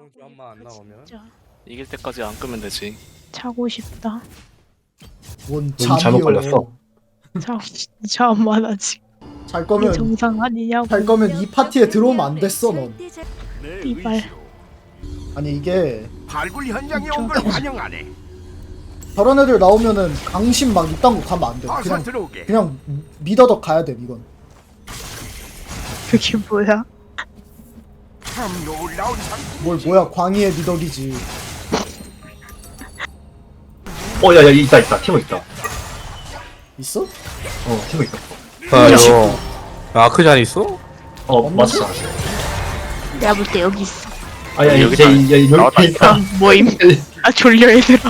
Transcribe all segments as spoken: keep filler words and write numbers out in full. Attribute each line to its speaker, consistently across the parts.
Speaker 1: 이번 교환만 안 나오면
Speaker 2: 진짜
Speaker 3: 이길 때까지 안 끄면 되지.
Speaker 2: 자고 싶다.
Speaker 4: 뭔
Speaker 5: 잘못
Speaker 4: 잠이요.
Speaker 5: 걸렸어.
Speaker 2: 자고 싶지 않아 아직.
Speaker 4: 잘
Speaker 2: 이게
Speaker 4: 거면
Speaker 2: 정상 아니냐고.
Speaker 4: 잘 거면 이 파티에 들어오면 안 됐어 넌.
Speaker 2: 이발.
Speaker 4: 아니 이게
Speaker 6: 발굴 현장에 온 걸 환영하네.
Speaker 4: 저런 애들 나오면은 강심 막 이딴 거 가면 안 돼.
Speaker 6: 어서
Speaker 4: 그냥
Speaker 6: 들어오게.
Speaker 4: 그냥 미더덕 가야 돼 이건.
Speaker 2: 그게 뭐야?
Speaker 6: 참 놀라운 상품.
Speaker 4: 뭘 뭐야 광희의 미덕이지.
Speaker 5: 어, 야, 야, 있다, 있다. 티모 있다.
Speaker 4: 있어?
Speaker 5: 어, 티모 있다.
Speaker 1: 아 이거 아크잔 있어?
Speaker 5: 어,
Speaker 4: 없는데?
Speaker 5: 맞아.
Speaker 2: 내가 볼 때 여기 있어.
Speaker 5: 아, 야,
Speaker 3: 여기
Speaker 5: 이제,
Speaker 3: 있다.
Speaker 5: 이제, 여기
Speaker 3: 나왔다,
Speaker 5: 있다.
Speaker 2: 아, 뭐임? 아 졸려 얘들아.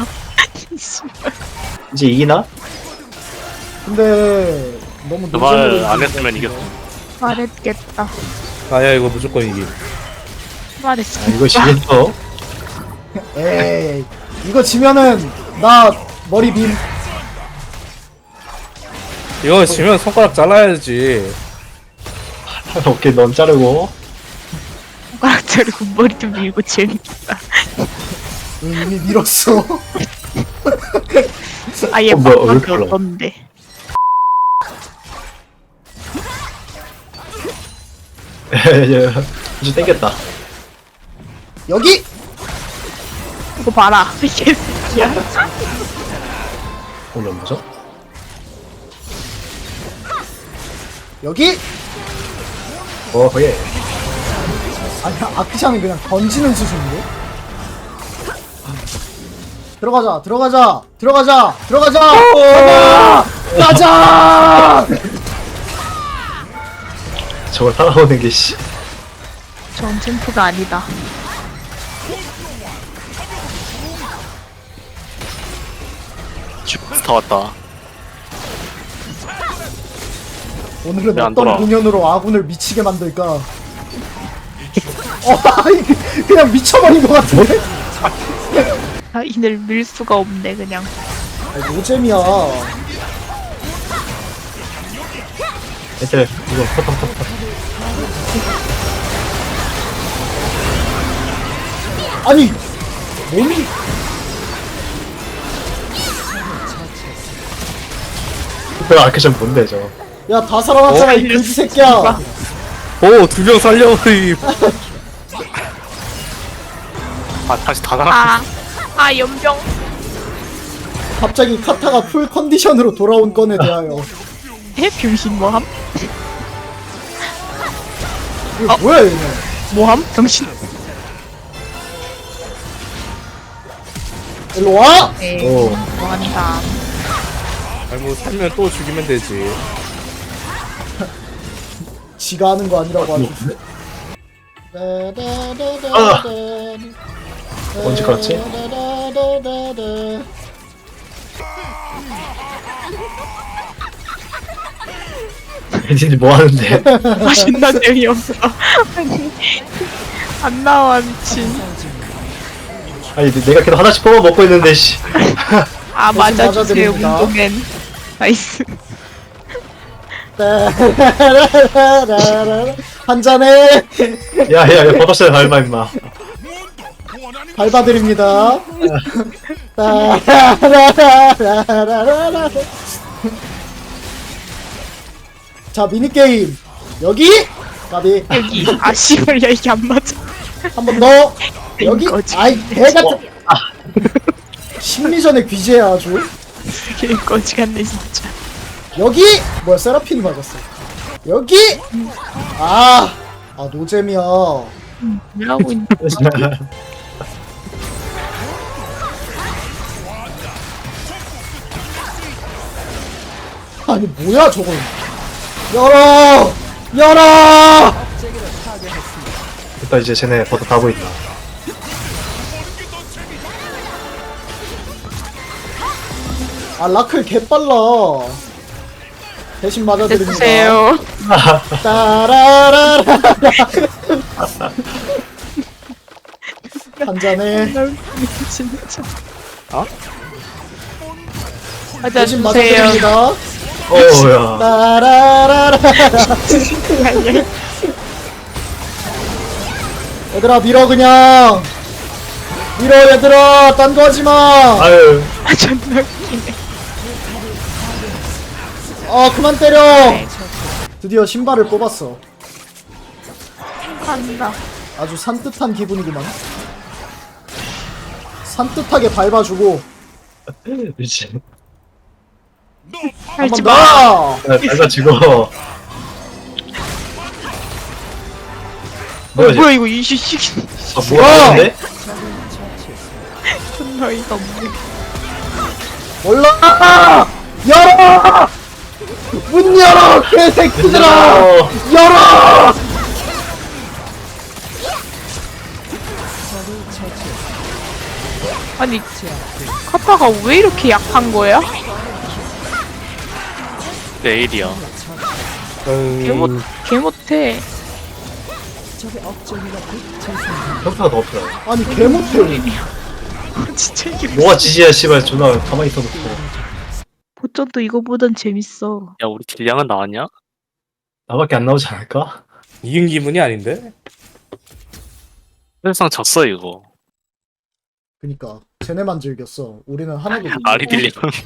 Speaker 5: 이제 이기나?
Speaker 4: 근데 너무
Speaker 3: 그 말
Speaker 4: 노잼으로
Speaker 3: 안 했으면 이겼어.
Speaker 2: 말했겠다.
Speaker 1: 아야 이거 무조건 이기.
Speaker 2: 말했어.
Speaker 5: 아, 이거 지겠어.
Speaker 4: 에이 이거 지면은 나 머리 빔.
Speaker 1: 이거 지면 손가락 잘라야지.
Speaker 5: 오케이, 넌 자르고.
Speaker 2: 손가락 자르고 머리 좀 밀고 재밌다.
Speaker 4: 응, 이미 밀었어.
Speaker 2: 아얘
Speaker 5: 어, 뭐야, 왜
Speaker 2: 밥밖에
Speaker 5: 이렇게 올라가?
Speaker 2: 없던데.
Speaker 5: 이제 땡겼다.
Speaker 4: 여기
Speaker 2: 이거 봐라. 이 개새끼야.
Speaker 5: 어, 뭐죠?
Speaker 4: 여기
Speaker 5: 어, 예.
Speaker 4: 아니야 아크샹이 그냥 던지는 수준인데. 들어가자 들어가자 들어가자 들어가자 가자 가자.
Speaker 5: 저걸 따라오는 게, 씨.
Speaker 2: 전 챔프가 아니다.
Speaker 3: 슈퍼스타 왔다.
Speaker 4: 오늘은
Speaker 3: 왜안
Speaker 4: 어떤
Speaker 3: 돌아?
Speaker 4: 공연으로 아군을 미치게 만들까? 어, 아이, 그냥 미쳐버린 것 같은데?
Speaker 2: 아 이늘 밀 수가 없네 그냥.
Speaker 4: 아, 노잼이야.
Speaker 5: 애들, 이거, 퍼퍼퍼퍼.
Speaker 4: 아니, 몸이.
Speaker 5: 그 아크션 뭔데, 저.
Speaker 4: 야, 다 살아났잖아,
Speaker 1: 어?
Speaker 4: 이 그지 새끼야.
Speaker 1: 오두 명 살려버리.
Speaker 3: 아 다시 다 나가.
Speaker 2: 아, 아 연병.
Speaker 4: 갑자기 카타가 풀 컨디션으로 돌아온 건에 대하여.
Speaker 2: 해 병신 뭐함?
Speaker 4: 이거 뭐야, 얘네.
Speaker 2: 뭐함? 병신.
Speaker 4: 일로 와!
Speaker 2: 에이
Speaker 5: 오.
Speaker 2: 뭐한다.
Speaker 1: 아니 뭐 살면 또 죽이면 되지.
Speaker 4: 지가 하는 거 아니라고 하지.
Speaker 5: 아! 언제 깔았지? 애진이 뭐 하는데?
Speaker 2: 아 존나 재미없어. 아니 안 나와 미친.
Speaker 5: 아니, 내가 계속 하나씩 뽑아 먹고 있는데, 씨.
Speaker 2: 아 맞아주세요
Speaker 4: 맞아드립니다.
Speaker 2: 운동엔. 나이스.
Speaker 4: 한 잔에
Speaker 5: 야, 야, 야, 버섯을 닮아, 임마.
Speaker 4: 밟아드립니다. 자, 미니게임. 여기! 가비.
Speaker 2: 여기 아 씨발 야 이게 안 맞아.
Speaker 4: 한 번 더. 여기.
Speaker 2: 거지.
Speaker 4: 아이, 개같은. 심리전의 귀재야, 아주.
Speaker 2: 개 거지 같네 진짜.
Speaker 4: 여기! 뭐야, 세라핀이 맞았어. 여기! 아, 아, 노잼이야.
Speaker 2: 뭐 하고 있는
Speaker 4: 아니, 뭐야, 저건. 열어! 열어!
Speaker 5: 일단 이제 쟤네 버섯 다 보인다.
Speaker 4: 아, 라클 개빨라. 대신 맞아드립니다.
Speaker 2: 됐으세요.
Speaker 4: 따라라라. 한 잔에
Speaker 2: 진짜.
Speaker 1: 어?
Speaker 4: 대신
Speaker 2: 맞아주세요.
Speaker 4: 맞아드립니다.
Speaker 5: 어우야.
Speaker 4: 따라라라. 얘들아 밀어 그냥. 밀어 얘들아 딴 거 하지마.
Speaker 5: 아유
Speaker 2: 아 존나 웃기네.
Speaker 4: 아 그만 때려. 드디어 신발을 뽑았어.
Speaker 2: 간다.
Speaker 4: 아주 산뜻한 기분이구만. 산뜻하게 밟아주고
Speaker 5: 미친.
Speaker 2: 할지
Speaker 4: 한번
Speaker 2: 마.
Speaker 4: 더.
Speaker 5: 내가 지금
Speaker 2: 어,
Speaker 5: 뭐야
Speaker 2: 뭐야 이거 이씨
Speaker 5: 아 뭐야 근데?
Speaker 2: 존나 이가 없네.
Speaker 4: 올라. 열어. 문 열어 개새끼들아.
Speaker 5: 어,
Speaker 4: 열어.
Speaker 2: 아니 카타가 왜 이렇게 약한 거야?
Speaker 3: 내일이야.
Speaker 2: 개 못,
Speaker 1: 음,
Speaker 2: 개 못해.
Speaker 5: 평타가 더 없어.
Speaker 4: 아니 개 못해.
Speaker 2: 진짜 이게
Speaker 5: 뭐가 지지야 씨발 존나 가만히 있어도
Speaker 2: 보전도 이거보단 재밌어.
Speaker 3: 야 우리 딜량은 나왔냐?
Speaker 5: 나밖에 안 나오지 않을까?
Speaker 1: 이긴 기분이 아닌데?
Speaker 3: 사실상 졌어 이거.
Speaker 4: 그니까 쟤네만 즐겼어. 우리는 하나도 못
Speaker 3: 아리
Speaker 4: 즐겼어.
Speaker 3: 딜량.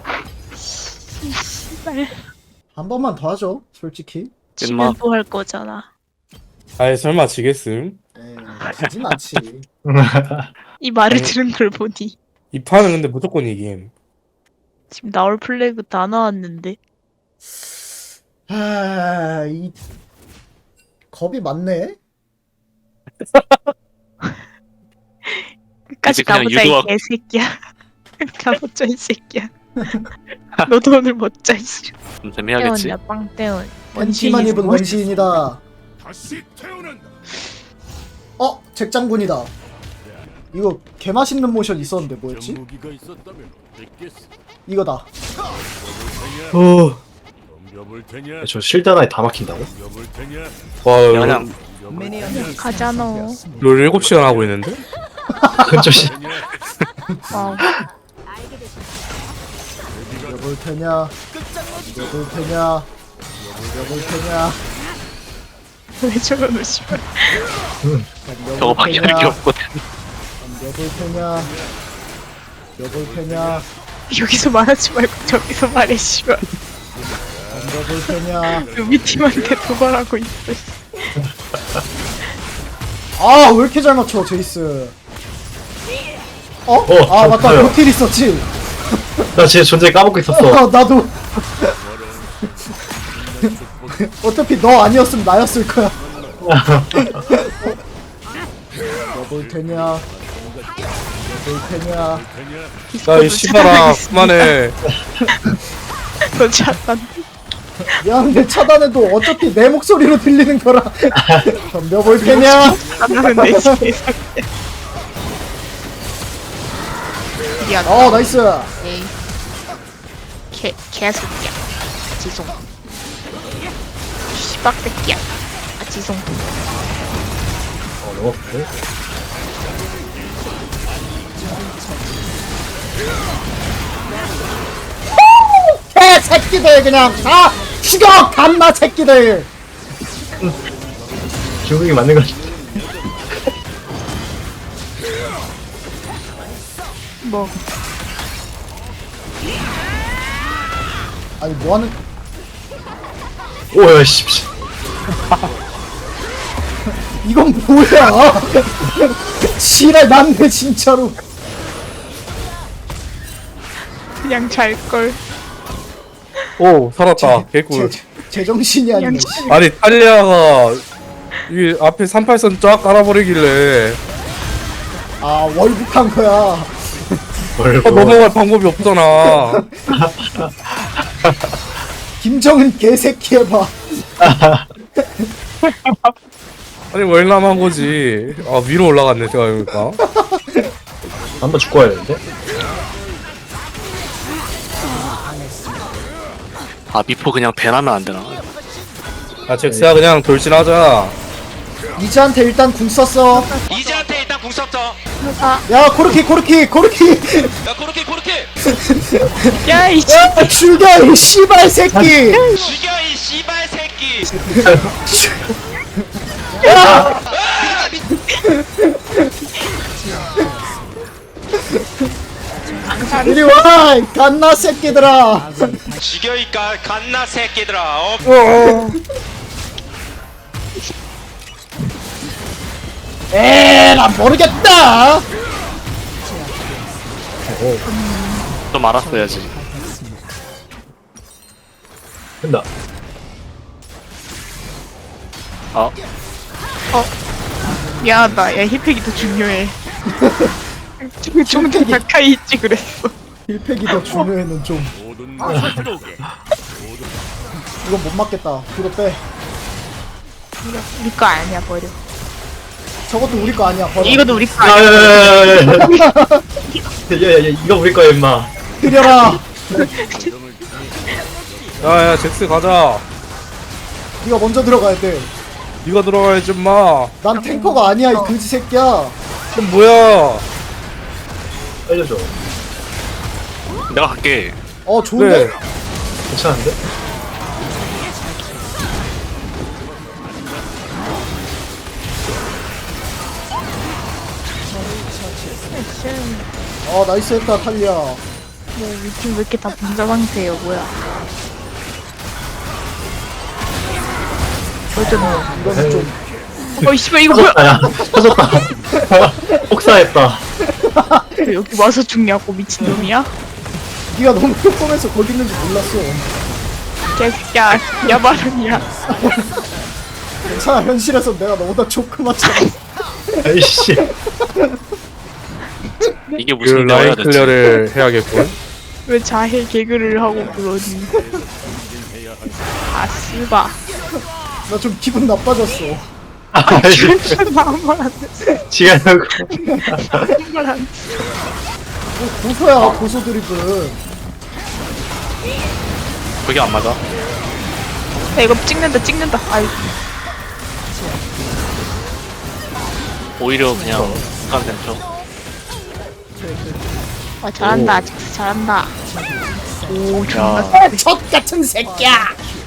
Speaker 2: 씨발.
Speaker 4: 한 번만 더 하죠. 솔직히.
Speaker 2: 지면 또 할 거잖아.
Speaker 1: 아이 설마 지겠음?
Speaker 4: 에이 지진 않지.
Speaker 2: 이 말을
Speaker 1: 아니.
Speaker 2: 들은 걸 보니
Speaker 1: 이 판은 근데 무조건 이김.
Speaker 2: 지금 나올 플래그 다 나왔는데.
Speaker 4: 아, 이 겁이 많네.
Speaker 2: 끝까지
Speaker 3: 이제 그냥
Speaker 2: 가보자 이
Speaker 3: 유도학-
Speaker 2: 개새끼야. 가보자 이 새끼야. 너도 오늘 못자 이씨.
Speaker 3: 좀 재미하겠지.
Speaker 2: 떼원이야 빵떼원.
Speaker 4: 팬티만 입은 원시인이다.
Speaker 6: 다시 태어난다.
Speaker 4: 어, 잭장군이다. 이거 개 맛있는 모션 있었는데 뭐였지?
Speaker 6: 무기가 있었다면 어땠겠어?
Speaker 4: 이거다.
Speaker 5: 어.
Speaker 6: 덤벼볼 테냐?
Speaker 5: 저 실드 하나에 다 막힌다고?
Speaker 6: 덤벼볼 테냐?
Speaker 1: 와
Speaker 3: 그냥
Speaker 2: 가잖아.
Speaker 1: 롤 일곱 시간 하고 있는데?
Speaker 5: 그건 좀 씨.
Speaker 2: 와우.
Speaker 4: 이겨볼 테냐? 이겨볼 테냐? 이겨볼 테냐?
Speaker 2: 왜 저러노 씨발.
Speaker 3: 저거밖에 할 게 없거든.
Speaker 4: 이겨볼 테냐? 이겨볼 테냐?
Speaker 2: 여기서 말하지 말고 저기서 말해 씨발.
Speaker 4: 이겨볼 테냐?
Speaker 2: 우리 팀한테 도발하고 있어.
Speaker 4: 아, 왜 이렇게 잘 맞춰, 제이스? 어?
Speaker 5: 어,
Speaker 4: 아, 맞다.
Speaker 5: 저요.
Speaker 4: 노틸 있었지?
Speaker 5: 나 진짜 존재 까먹고 있었어.
Speaker 4: 어, 나도. 어차피 너 아니었으면 나였을 거야. 이겨볼 테냐? 이겨볼 테냐?
Speaker 1: 야이 씨발아 그만해.
Speaker 2: 너 차단.
Speaker 4: 미안한데 차단해도 어차피 내 목소리로 들리는 거라. 덤벼볼 테냐?
Speaker 2: 차단하는 내 개새끼야. 미안.
Speaker 4: 어, 나이스.
Speaker 2: 에이. 개 개새끼야. 지송. 씨박새끼야. 아 지송.
Speaker 5: 어, 너무 아픈데?
Speaker 4: 개 새끼들 그냥 다 죽여! 감마 새끼들!
Speaker 5: 중국이 맞는 거지.
Speaker 2: 뭐
Speaker 4: 아니 뭐하는
Speaker 5: 오야 씨. 씨.
Speaker 4: 이건 뭐야? 지랄 났네 진짜로.
Speaker 2: 그냥 잘 걸.
Speaker 1: 오 살았다. 개꿀.
Speaker 4: 제, 제정신이 아니네.
Speaker 2: 그냥
Speaker 4: 씨.
Speaker 1: 아니 탈리아가 이 앞에 삼팔선 쫙 깔아버리길래
Speaker 4: 아 월북한 거야.
Speaker 5: 뭘
Speaker 1: 어, 넘어갈 방법이 없잖아.
Speaker 4: 김정은 개새끼 해봐.
Speaker 1: 아니 월남한 거지. 아 위로 올라갔네 생각해보니까.
Speaker 5: 한번 죽고 와야 되는데?
Speaker 3: 아 미포 그냥 배나면 안 되나?
Speaker 1: 아 잭스야 그냥 돌진하자.
Speaker 4: 이즈한테 일단 궁 썼어.
Speaker 7: 이제한테 일단 궁 썼죠.
Speaker 2: 아,
Speaker 4: 야 코르키 코르키 코르키.
Speaker 7: 야 코르키 코르키
Speaker 2: 야 이.
Speaker 4: 야 죽여 이 씨발 새끼.
Speaker 7: 죽여 이 씨발 새끼.
Speaker 4: 야. 이리 와! 이 갓나 새끼들아!
Speaker 7: 죽여 이 가- 갓나 새끼들아. 어?
Speaker 1: 어.
Speaker 4: 에라 모르겠다!
Speaker 3: 좀 알았어야지.
Speaker 5: 된다.
Speaker 3: 아,
Speaker 2: 미안하다. 야 힐팩이 더 중요해. 좀- 좀 더 가까이 있지 그랬어.
Speaker 4: 힐팩이 더 중요해는 좀
Speaker 6: 모든 것을 들어오게.
Speaker 4: 이건 못 맞겠다. 뒤로 빼.
Speaker 2: 우리 거 아니야 버려.
Speaker 4: 저것도 우리 거 아니야. 버려.
Speaker 2: 이것도 우리 거 아니야.
Speaker 5: 야야야야야야야야 이거 우리 거야 임마.
Speaker 4: 들여라.
Speaker 1: 야야 잭스 가자.
Speaker 4: 네가 먼저 들어가야 돼.
Speaker 1: 네가 들어가야지 마.
Speaker 4: 난 탱커가 아니야 이 그지 새끼야.
Speaker 1: 그럼 뭐야?
Speaker 5: 알려줘.
Speaker 3: 내가 갈게.
Speaker 4: 어 좋은데?
Speaker 1: 그래.
Speaker 5: 괜찮은데?
Speaker 4: 어 나이스 했다 탈리아.
Speaker 2: 뭐 요즘 왜 이렇게 다 분자 상태예요 뭐야.
Speaker 4: 이건 좀
Speaker 2: 어이 씨발 이거 뭐야.
Speaker 5: 야 터졌다. 폭사했다.
Speaker 2: 왜 여기 와서 죽냐고 미친놈이야?
Speaker 4: 네가 너무 조금해서 거기 있는지 몰랐어.
Speaker 2: 개새끼야 야바람이야.
Speaker 4: 괜찮아 현실에서 내가 너보다 조그맣잖아.
Speaker 5: 아이씨.
Speaker 3: 이게
Speaker 1: 그
Speaker 3: 무슨
Speaker 1: 라인
Speaker 3: 대화야 대체.
Speaker 1: 클리어를 해야겠군.
Speaker 2: 왜 자해 개그를 하고 그러니. 아 씨바.
Speaker 4: 나 좀 기분 나빠졌어.
Speaker 5: 아이씨.
Speaker 2: 아무 말안 돼.
Speaker 5: 지가냐고.
Speaker 2: 아무 말안 돼.
Speaker 4: 뭐 고소야 고소 드립은.
Speaker 3: 그게 안 맞아.
Speaker 2: 야 이거 찍는다 찍는다. 아이
Speaker 3: 오히려 그냥 북한 센터.
Speaker 2: 아 잘한다 잭스 잘한다. 오 존나
Speaker 3: 야,
Speaker 4: 젖 같은 새끼야.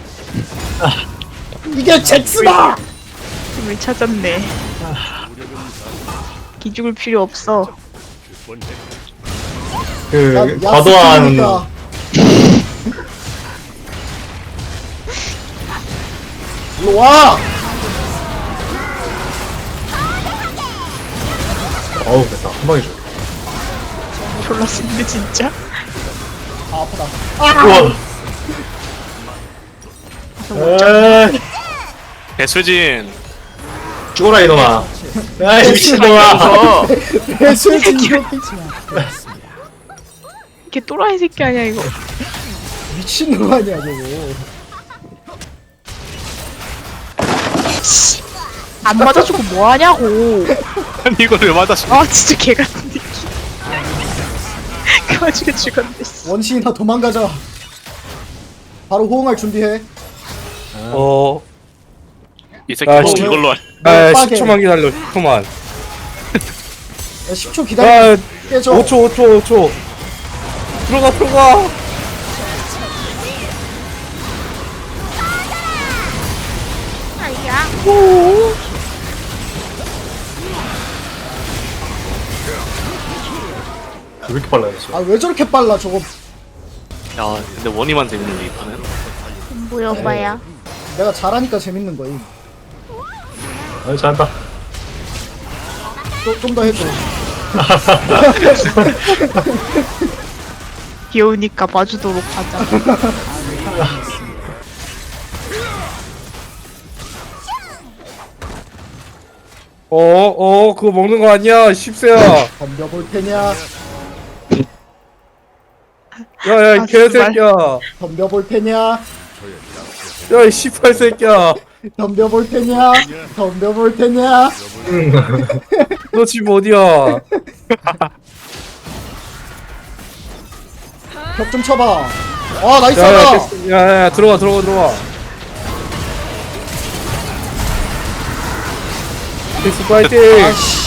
Speaker 4: 이게 잭스다.
Speaker 2: 힘을 찾았네. 기죽을 필요 없어.
Speaker 5: 그 과도한
Speaker 4: 일로 와.
Speaker 5: 어우 됐다 한 방에 줘.
Speaker 2: 졸라 쓴데 진짜.
Speaker 4: 아 아프다.
Speaker 5: 우와. 에이
Speaker 3: 배수진.
Speaker 5: 죽어라 이놈아. 야이 미친놈아.
Speaker 2: 어.
Speaker 4: 배수진 이렇게
Speaker 2: 이게 또라이 새끼 아니야 이거.
Speaker 4: 미친놈 아니야 저거.
Speaker 2: 안 맞아주고 뭐 하냐고.
Speaker 3: 아니 이걸 왜 맞았어?
Speaker 2: 아 진짜 개 같은 느낌. 그 와중에 죽었네. 씨.
Speaker 4: 원시인아 도망가자. 바로 호응할 준비해.
Speaker 1: 어.
Speaker 3: 이 새끼
Speaker 1: 아,
Speaker 3: 꼭
Speaker 1: 진짜?
Speaker 3: 이걸로 할.
Speaker 1: 아
Speaker 4: 빠게.
Speaker 1: 십 초만 기다려. 십 초만.
Speaker 4: 야, 십 초 기다려.
Speaker 1: 야
Speaker 4: 깨져.
Speaker 1: 오 초 오 초 오 초. 들어가 들어가.
Speaker 5: 왜 이렇게 빨라졌어?
Speaker 4: 아 왜 저렇게 빨라 저거.
Speaker 3: 야, 근데 원이만 재밌는데 이 판은.
Speaker 2: 뭐여봐야.
Speaker 4: 내가 잘하니까 재밌는 거임.
Speaker 5: 아 잘한다.
Speaker 4: 좀 더 해줘.
Speaker 2: 귀여우니까 봐주도록 하자.
Speaker 1: 어어 그거 먹는 거 아니야 십세야.
Speaker 4: 덤벼볼 테냐.
Speaker 1: 야야
Speaker 2: 아,
Speaker 1: 이 개새끼야.
Speaker 4: 덤벼볼 테냐.
Speaker 1: 야이 십팔 새끼야.
Speaker 4: 덤벼볼 테냐. 덤벼볼 테냐.
Speaker 1: 너 집 어디야?
Speaker 4: 벽 좀 쳐봐. 아 나이스
Speaker 1: 야야
Speaker 4: 하다.
Speaker 1: 야야 들어가 들어가 들어가. 잭스 파이팅.
Speaker 4: 아씨.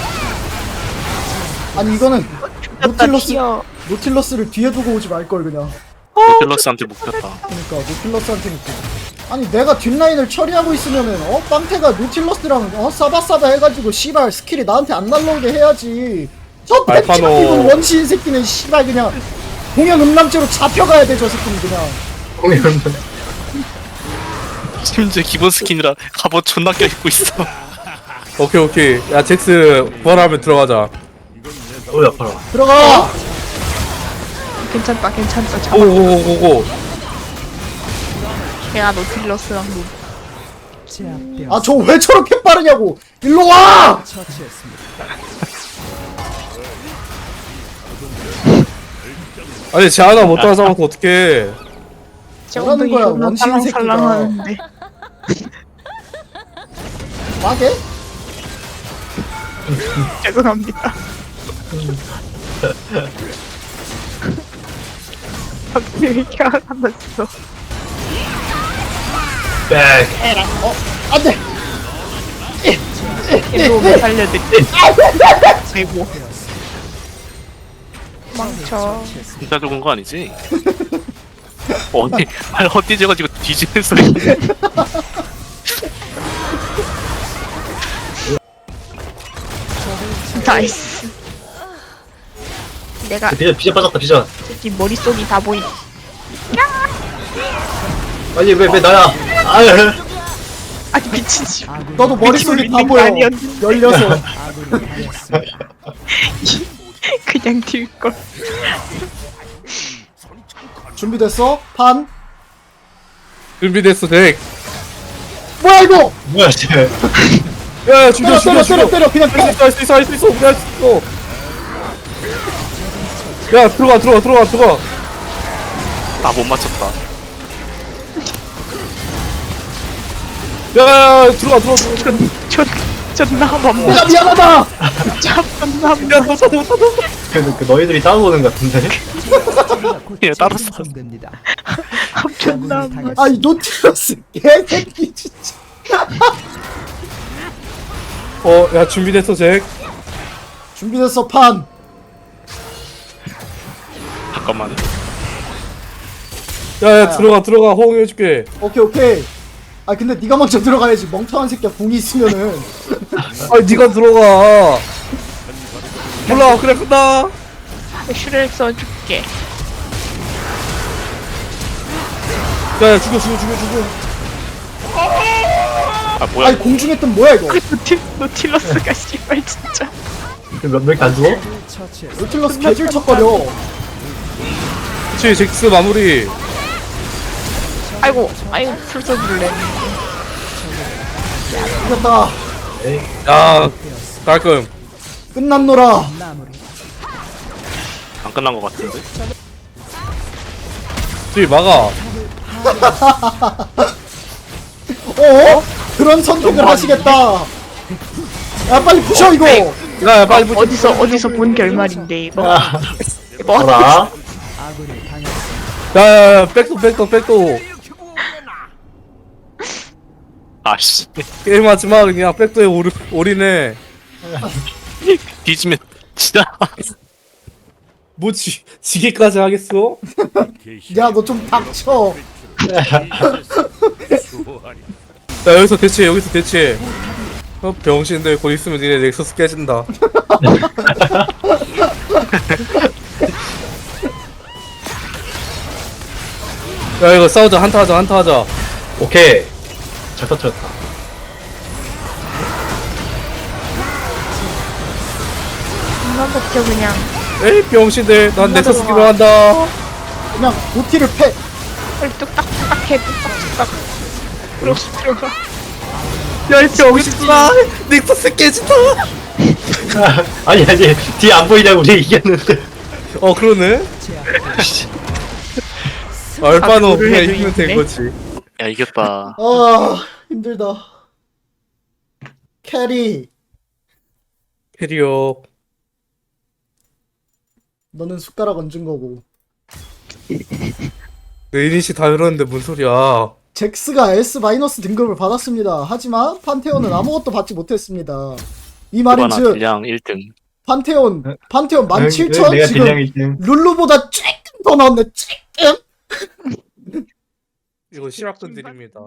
Speaker 4: 아니 이거는 노틸러스
Speaker 2: 튀어.
Speaker 4: 노틸러스를 뒤에 두고 오지 말 걸 그냥.
Speaker 3: 딜러스한테 묶였다.
Speaker 4: 그러니까 노틸러스한테 묻고. 아니 내가 뒷라인을 처리하고 있으면은 어 빵태가 노틸러스랑 어 싸바싸바 해가지고 씨발 스킬이 나한테 안 날라오게 해야지. 저 팬티
Speaker 1: 알파노.
Speaker 4: 입은 원시인 새끼는 씨발 그냥 공연 음란죄로 잡혀가야 돼. 저 새끼는 그냥.
Speaker 5: 공연.
Speaker 3: 심지어 기본 스킨이라 갑옷 존나 껴입고 있어.
Speaker 1: 오케이 오케이. 야 잭스 부활하면 들어가자.
Speaker 5: 어우 아파라.
Speaker 4: 들어가.
Speaker 2: 괜찮다 괜찮다 잡아.
Speaker 1: 오오오오오.
Speaker 2: 걔가 노틸러스랑 노.
Speaker 4: 아 저 왜 저렇게 빠르냐고. 일로 와.
Speaker 1: 아니 쟤 하나 못 따라잡아서 어떡해.
Speaker 2: 제
Speaker 4: 뭐라는
Speaker 2: 엉덩이
Speaker 4: 거야,
Speaker 2: 존나
Speaker 4: 원시인 새끼가.
Speaker 2: 살랑살랑하는데.
Speaker 4: 와게?
Speaker 2: 죄송합니다. 갑자기 왜 이렇게 화가 났어.
Speaker 5: 백.
Speaker 4: 어 안돼.
Speaker 2: 얘도 못 살려드릴게. 아이고. 망쳐.
Speaker 3: 진짜 죽은 거 아니지? 어디 발 헛디져가지고 뒤지는 소리.
Speaker 2: 나이스. 내가
Speaker 5: 비전 비전 빠졌다 비전.
Speaker 2: 이 머릿속이 다 보이.
Speaker 5: 아니 왜 왜 나야? 아유.
Speaker 2: 아니 미친 집.
Speaker 4: 너도 머릿속이 다
Speaker 2: 있는 거
Speaker 4: 보여.
Speaker 2: 아니었는데.
Speaker 4: 열려서.
Speaker 2: 그냥 튈 걸.
Speaker 4: 준비됐어? 판.
Speaker 1: 준비됐어 잭.
Speaker 4: 뭐야 이거?
Speaker 5: 뭐야 쟤.
Speaker 1: 야 죽여
Speaker 4: 때려
Speaker 1: 죽여
Speaker 4: 때려 때려
Speaker 1: 죽여.
Speaker 4: 때려 그냥
Speaker 1: 할 수 있어 할 수 있어 할 수 있어 할 수 있어. 야 들어가 들어가 들어가 들어가.
Speaker 3: 나 못 맞췄다.
Speaker 1: 야야야 들어가 들어가 들어가.
Speaker 2: 존 존나 맘마.
Speaker 4: 야 미안하다.
Speaker 2: 존나
Speaker 1: 야 너 찾아 못 찾아.
Speaker 5: 그, 그 너희들이 따라오는 것 같은데.
Speaker 3: 얘 따랐어.
Speaker 2: 존나 맘마.
Speaker 4: 아이 노틸러스 개새끼 진짜.
Speaker 1: 어야 준비됐어 잭.
Speaker 4: 준비됐어 판.
Speaker 3: 잠깐만.
Speaker 1: 야야 들어가 들어가 호응해줄게.
Speaker 4: 오케이 오케이. 아 근데 네가 먼저 들어가야지. 멍청한 새끼야 공이 있으면은.
Speaker 1: 아 니가 들어가. 몰라 그래 끝나.
Speaker 2: 슈를 써줄게.
Speaker 1: 야야 죽여 죽여 죽여 죽여.
Speaker 3: 아 뭐야?
Speaker 4: 아니 공중에 뜬 뭐야 이거?
Speaker 2: 그 노틸 노틸러스가 씨발 진짜.
Speaker 5: 몇 명이 안 죽어?
Speaker 4: 노틸러스 개질 척거려.
Speaker 1: 그치 잭스 마무리.
Speaker 2: 아이고 아이고 풀 써줄래.
Speaker 4: 이겼다.
Speaker 1: 야 깔끔.
Speaker 4: 끝났노라.
Speaker 3: 안 끝난 거 같은데?
Speaker 1: 저기 막아.
Speaker 4: 어? 그런 선택을 하시겠다. 야 빨리 부셔 이거.
Speaker 1: 야야 빨리 붙여.
Speaker 2: 어디서 어디서 본 결말인데 이거.
Speaker 5: 아,
Speaker 2: 이거
Speaker 5: 봐라.
Speaker 1: 야야야 백도 백도 백도.
Speaker 3: 아씨.
Speaker 1: 게임하지 마 그냥 백도에 오리 올인해.
Speaker 3: 뒤지면 진짜.
Speaker 1: 뭐 지, 지게까지 하겠어?
Speaker 4: 야 너 좀 닥쳐.
Speaker 6: 좋아하니.
Speaker 1: 야 여기서 대치해 여기서 대치해. 어 병신들 곧 있으면 니네 넥서스 깨진다. 야 이거 싸우자 한타 하자 한타 하자.
Speaker 5: 오케이. 잘 터뜨렸다.
Speaker 2: 존나 버텨 그냥.
Speaker 1: 에이 병신들 난 넥서스 기로 한다.
Speaker 4: 그냥 노티를 패.
Speaker 2: 빨리 뚝딱뚝딱 해 뚝딱뚝딱. 그렇지 들어가.
Speaker 1: 야이 병신들아 넥서스 깨진다.
Speaker 5: 아니 아니 뒤에 안 보이냐고 우리 이겼는데.
Speaker 1: 어 그러네. 알바노
Speaker 2: 아,
Speaker 1: 그냥
Speaker 2: 해도
Speaker 1: 이기면 된
Speaker 2: 이기네?
Speaker 1: 거지.
Speaker 3: 야 이겼다.
Speaker 4: 아 힘들다. 캐리.
Speaker 1: 캐리어.
Speaker 4: 너는 숟가락 얹은 거고.
Speaker 1: 내 이니시 다 열었는데 뭔 소리야.
Speaker 4: 잭스가 S 마이너스 등급을 받았습니다. 하지만 판테온은 아무것도 받지 못했습니다. 이 말인즉
Speaker 3: 그바나 딜량 일 등.
Speaker 4: 판테온 판테온 만
Speaker 5: 응,
Speaker 4: 칠천
Speaker 5: 내가
Speaker 4: 지금
Speaker 5: 딜량 일 등.
Speaker 4: 룰루보다 조금 더 나왔네. 조금.
Speaker 1: 이거 실학돈 드립니다.